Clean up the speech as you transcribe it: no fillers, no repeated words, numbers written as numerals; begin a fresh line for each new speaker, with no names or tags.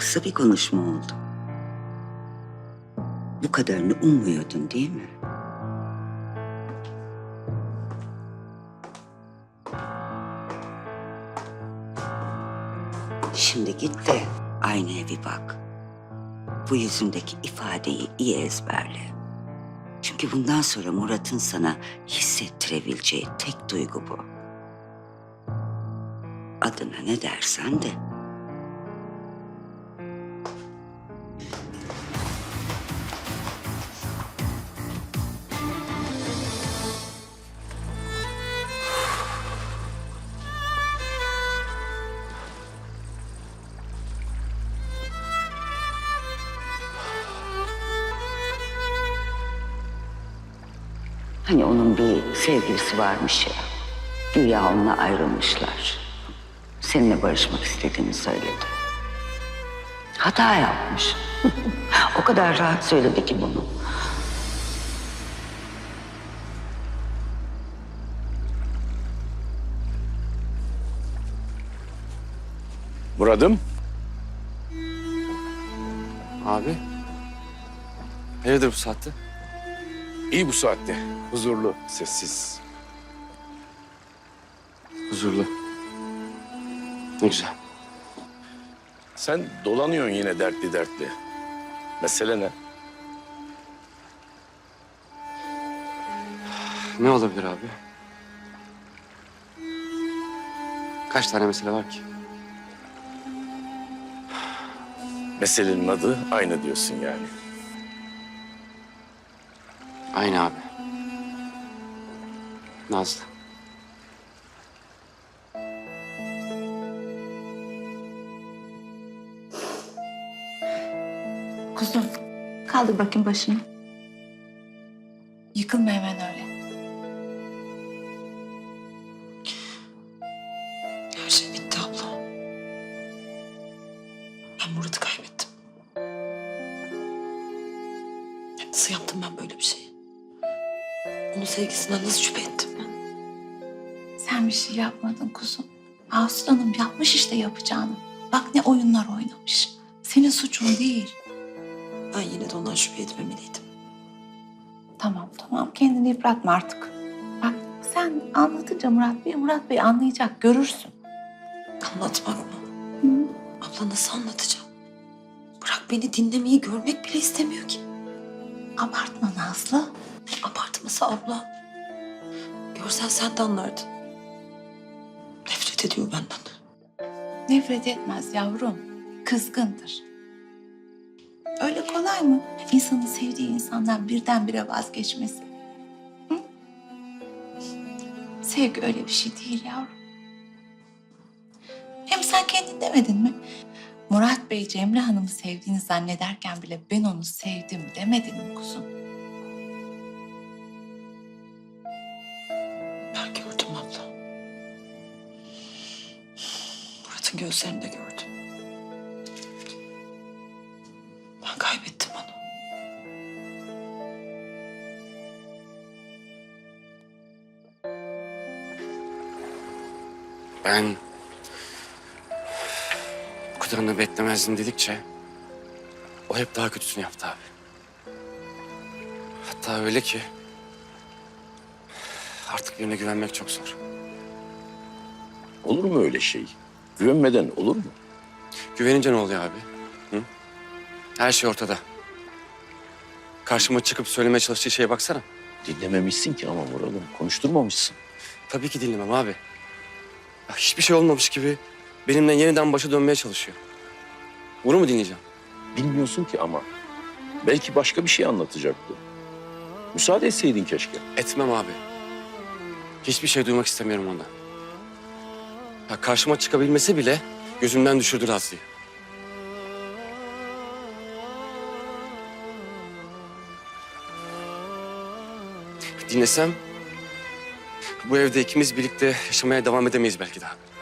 kısa bir konuşma oldu. Bu kadarını ummuyordun değil mi? Şimdi git de aynaya bir bak. Bu yüzündeki ifadeyi iyi ezberle. Çünkü bundan sonra Murat'ın sana hissettirebileceği tek duygu bu. Adına ne dersen de. Hani onun bir sevgilisi varmış ya. Güya onunla ayrılmışlar. Seninle barışmak istediğini söyledi. Hata yapmış. O kadar rahat söyledi ki bunu.
Murat'ım.
Abi. Hayırdır bu saatte?
İyi bu saatte. Huzurlu, sessiz.
Huzurlu. Ne güzel.
Sen dolanıyorsun yine dertli dertli. Mesele ne?
Ne olabilir abi? Kaç tane mesele var ki?
Meselenin adı aynı diyorsun yani.
Aynı abi. Nazlı.
Kuzum, kaldır bakayım başını. Yıkılma hemen öyle.
Her şey bitti abla. Ben Murat'ı kaybettim. Nasıl yaptım ben böyle bir şeyi? Onun sevgisinden nasıl şüphe ettim ben?
Sen bir şey yapmadın kuzum. Aslanım yapmış işte yapacağını. Bak ne oyunlar oynamış. Senin suçun değil.
Ben yine de ondan şüphe etmemeliydim.
Tamam tamam kendini yıpratma artık. Bak sen anlatınca Murat Bey anlayacak görürsün.
Anlatmak mı?
Hı?
Abla nasıl anlatacağım? Bırak beni dinlemeyi görmek bile istemiyor ki.
Abartma Nazlı.
Abartması abla. Görsen sen de anlardın. Nefret ediyor benden.
Nefret etmez yavrum. Kızgındır. Öyle kolay mı? İnsanın sevdiği insandan birdenbire vazgeçmesi. Hı? Sevgi öyle bir şey değil yavrum. Hem sen kendin demedin mi? Murat Bey Cemre Hanım'ı sevdiğini zannederken bile ben onu sevdim demedin mi kuzum?
Ben gördüm abla. Murat'ın gözlerinde gördüm. Ben kaybettim onu.
Ben bu kadarını beklemezdim dedikçe o hep daha kötüsünü yaptı abi. Hatta öyle ki artık birine güvenmek çok zor.
Olur mu öyle şey? Güvenmeden olur mu?
Güvenince ne oluyor abi? Hı? Her şey ortada. Karşıma çıkıp söylemeye çalıştığı şeye baksana.
Dinlememişsin ki ama Murat'ım. Konuşturmamışsın.
Tabii ki dinlemem abi. Ya hiçbir şey olmamış gibi benimle yeniden başa dönmeye çalışıyor. Bunu mu dinleyeceğim?
Bilmiyorsun ki ama. Belki başka bir şey anlatacaktı. Müsaade etseydin keşke.
Etmem abi. Hiçbir şey duymak istemiyorum ondan. Ya karşıma çıkabilmesi bile gözümden düşürdü Nazlı'yı. Dinlesem bu evde ikimiz birlikte yaşamaya devam edemeyiz belki daha.